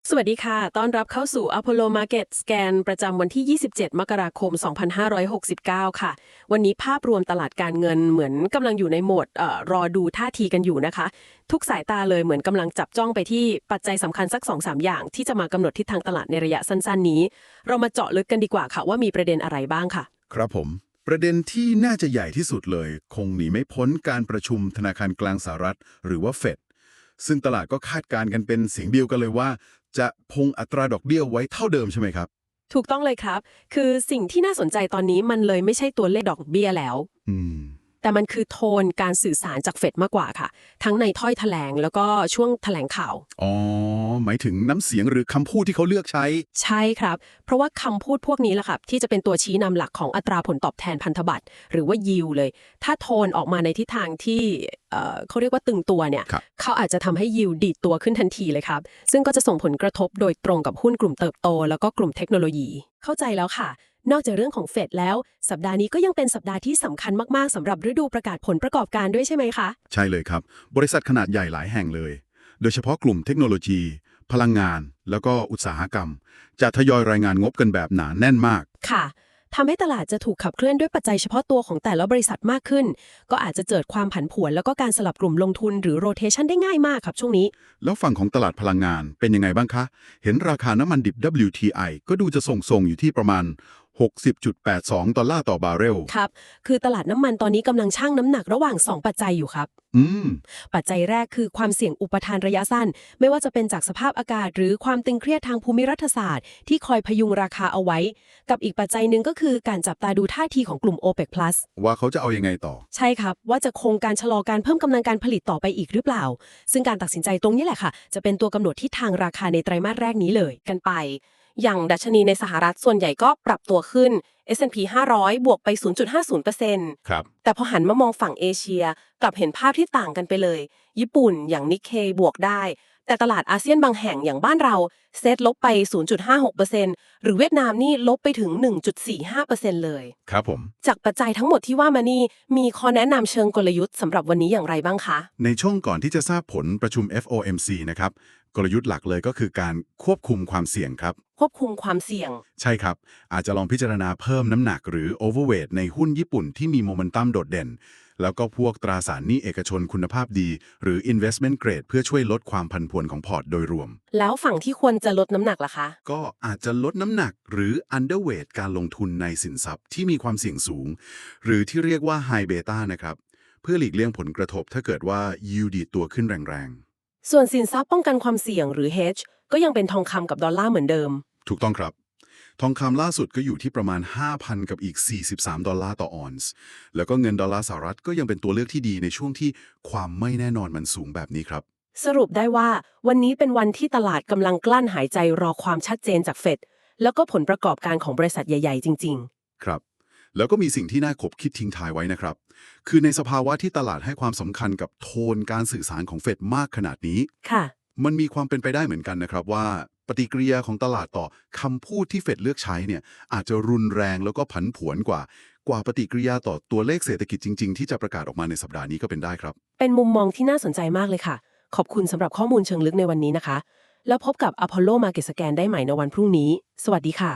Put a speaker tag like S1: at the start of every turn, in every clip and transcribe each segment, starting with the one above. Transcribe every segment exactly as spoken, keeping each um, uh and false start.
S1: สวัสดีค่ะต้อนรับเข้าสู่ Apollo Market Scan ประจำวันที่ ยี่สิบเจ็ด มกราคม สองพันห้าร้อยหกสิบเก้า ค่ะ วันนี้ภาพรวมตลาดการเงินเหมือนกำลังอยู่ในโหมดเอ่อรอดูท่าทีกันอยู่นะคะ ทุกสายตาเลยเหมือนกำลังจับจ้องไปที่ปัจจัยสำคัญสัก สองสาม อย่างที่จะมากำหนดทิศทางตลาดในระยะสั้นๆนี้ เรามาเจาะลึกกันดีกว่าค่ะว่ามีประเด็นอะไรบ้างค่ะ
S2: ครับผมประเด็นที่น่าจะใหญ่ที่สุดเลย คงหนีไม่พ้นการประชุมธนาคารกลางสหรัฐหรือว่าเฟดซึ่งตลาดก็คาดการณ์กันเป็นเสียงเดียวกันเลยว่า จะคงอัตราดอกเบี้ยไว้เท่าเดิมใช่ไหมครับ
S1: ถูกต้องเลยครับ คือสิ่งที่น่าสนใจตอนนี้มันเลยไม่ใช่ตัวเลขดอกเบี้ยแล้ว
S2: อืม
S1: แต่มันคือโทนการสื่อสารจากเฟดมากกว่าค่ะ ทั้งในถ้อยแถลงแล้วก็ช่วงแถลงข่าว
S2: อ๋อ หมายถึงน้ำเสียงหรือคำพูดที่เขาเลือกใช้
S1: ใช่ครับ เพราะว่าคำพูดพวกนี้แหละครับที่จะเป็นตัวชี้นำหลักของอัตราผลตอบแทนพันธบัตรหรือว่า yield เลย ถ้าโทนออกมาในทิศทางที่เอ่อเขาเรียกว่าตึงตัวเนี่ย
S2: ครับ
S1: เขาอาจจะทำให้ yield ดีดตัวขึ้นทันทีเลยครับ ซึ่งก็จะส่งผลกระทบโดยตรงกับหุ้นกลุ่มเติบโตแล้วก็กลุ่มเทคโนโลยี เข้าใจแล้วค่ะ นอกจากเรื่องของเฟดแล้ว สัปดาห์นี้ก็ยังเป็นสัปดาห์ที่สำคัญมากๆสำหรับฤดูประกาศผลประกอบการด้วยใช่ไหมคะ
S2: ใช่เลยครับ บริษัทขนาดใหญ่หลายแห่งเลย โดยเฉพาะกลุ่มเทคโนโลยี พลังงาน แล้วก็อุตสาหกรรม จะทยอยรายงานงบกันแบบหนาแน่นมาก
S1: ค่ะทำให้ตลาดจะถูกขับเคลื่อนด้วยปัจจัยเฉพาะตัวของแต่ละบริษัทมากขึ้น ก็อาจจะเกิดความผันผวนแล้วก็การสลับกลุ่มลงทุนหรือ rotation ได้ง่ายมากครับช่วงนี้
S2: แล้วฝั่งของตลาดพลังงานเป็นยังไงบ้างคะ เห็นราคาน้ำมันดิบ ดับเบิลยู ที ไอ ก็ดูจะส่งๆอยู่ที่ประมาณ หกสิบจุดแปดสอง ดอลลาร์ต่อบาร์เรล
S1: ครับ คือตลาดน้ำมันตอนนี้กำลังชั่งน้ำหนักระหว่าง สอง ปัจจัยอยู่ครับ
S2: อืม
S1: ปัจจัยแรกคือความเสี่ยงอุปทานระยะสั้น ไม่ว่าจะเป็นจากสภาพอากาศ หรือความตึงเครียดทางภูมิรัฐศาสตร์ที่คอยพยุงราคาเอาไว้ กับอีกปัจจัยหนึ่งก็คือการจับตาดูท่าทีของกลุ่ม โอเปก พลัส
S2: ว่าเขาจะเอายังไงต่อ
S1: ใช่ครับ ว่าจะคงการชะลอการเพิ่มกำลังการผลิตต่อไปอีกหรือเปล่า ซึ่งการตัดสินใจตรงนี้แหละค่ะ จะเป็นตัวกำหนดทิศทางราคาในไตรมาสแรกนี้เลยกันไป อย่างดัชนีในสหรัฐส่วนใหญ่ก็ปรับตัวขึ้น เอส แอนด์ พี ห้าร้อย บวกไป ศูนย์จุดห้าศูนย์เปอร์เซ็นต์
S2: ครับ
S1: แต่พอหันมามองฝั่งเอเชียกลับเห็นภาพที่ต่างกันไปเลย ญี่ปุ่นอย่างนิกเคบวกได้ แต่ตลาดอาเซียนบางแห่งอย่างบ้านเราเซตลบไป ศูนย์จุดห้าหกเปอร์เซ็นต์ หรือเวียดนามนี่ลบไปถึง หนึ่งจุดสี่ห้าเปอร์เซ็นต์ เลย
S2: ครับผม
S1: จากปัจจัยทั้งหมดที่ว่ามานี่มีข้อแนะนำเชิงกลยุทธ์สำหรับวันนี้อย่างไรบ้างคะ
S2: ในช่วงก่อนที่จะทราบผลประชุม เอฟ โอ เอ็ม ซี นะครับ กลยุทธ์หลักเลยก็คือการควบคุมความเสี่ยงครับ
S1: ควบคุมความเสี่ยง
S2: ใช่ครับ อาจจะลองพิจารณาเพิ่มน้ำหนักหรือ overweight ในหุ้นญี่ปุ่นที่มีโมเมนตัมโดดเด่น แล้วก็พวกตราสารหนี้เอกชนคุณภาพดี หรือ investment grade เพื่อช่วยลดความผันผวนของพอร์ตโดยรวม
S1: แล้วฝั่งที่ควรจะลดน้ำหนักล่ะคะ
S2: ก็อาจจะลดน้ำหนักหรือ underweight การลงทุนในสินทรัพย์ที่มีความเสี่ยงสูง หรือที่เรียกว่า high beta นะครับ เพื่อหลีกเลี่ยงผลกระทบถ้าเกิดว่า yield ดีดตัวขึ้นแรงๆ
S1: ส่วนสินทรัพย์ป้องกันความเสี่ยงหรือ hedge ก็ยังเป็นทองคำกับดอลลาร์เหมือนเดิม
S2: ถูกต้องครับ ทองคำล่าสุดก็อยู่ที่ประมาณ ห้าพัน กับอีก สี่สิบสาม ดอลลาร์ต่อออนซ์ แล้วก็เงินดอลลาร์สหรัฐก็ยังเป็นตัวเลือกที่ดีในช่วงที่ความไม่แน่นอนมันสูงแบบนี้ครับ
S1: สรุปได้ว่าวันนี้เป็นวันที่ตลาดกำลังกลั้นหายใจรอความชัดเจนจากเฟดแล้วก็ผลประกอบการของบริษัทใหญ่ๆจริง
S2: ครับ แล้วก็มีสิ่งที่น่าขบคิดทิ้งท้ายไว้นะครับ คือในสภาวะที่ตลาดให้ความสำคัญกับโทนการสื่อสารของเฟดมากขนาดนี้
S1: ๆ ค่ะ
S2: มันมีความเป็นไปได้เหมือนกันนะครับว่าปฏิกิริยาของตลาดต่อคำพูดที่เฟดเลือกใช้เนี่ยอาจจะรุนแรงแล้วก็ผันผวนกว่า กว่าปฏิกิริยาต่อตัวเลขเศรษฐกิจจริงๆที่จะประกาศออกมาในสัปดาห์นี้ก็เป็นได้ครับ
S1: เป็นมุมมองที่น่าสนใจมากเลยค่ะ ขอบคุณสำหรับข้อมูลเชิงลึกในวันนี้นะคะ แล้วพบกับ Apollo Market Scan ได้ใหม่ในวันพรุ่งนี้ สวัสดีค่ะ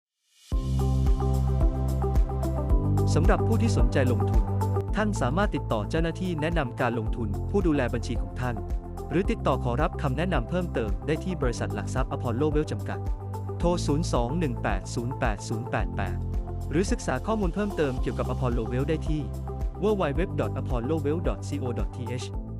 S3: สำหรับผู้ที่สนใจลงทุน ท่านสามารถติดต่อเจ้าหน้าที่แนะนำการลงทุนผู้ดูแลบัญชีของท่าน หรือติดต่อขอรับคำแนะนำเพิ่มเติมได้ที่บริษัทหลักทรัพย์ Apollo Wealth จำกัด โทร ศูนย์ สอง หนึ่ง แปด ศูนย์ แปด ศูนย์ แปด แปด หรือศึกษาข้อมูลเพิ่มเติมเกี่ยวกับ Apollo Wealth ได้ที่ ดับเบิลยู ดับเบิลยู ดับเบิลยู ดอท อพอลโล เวลท์ ดอท ซี โอ ดอท ที เอช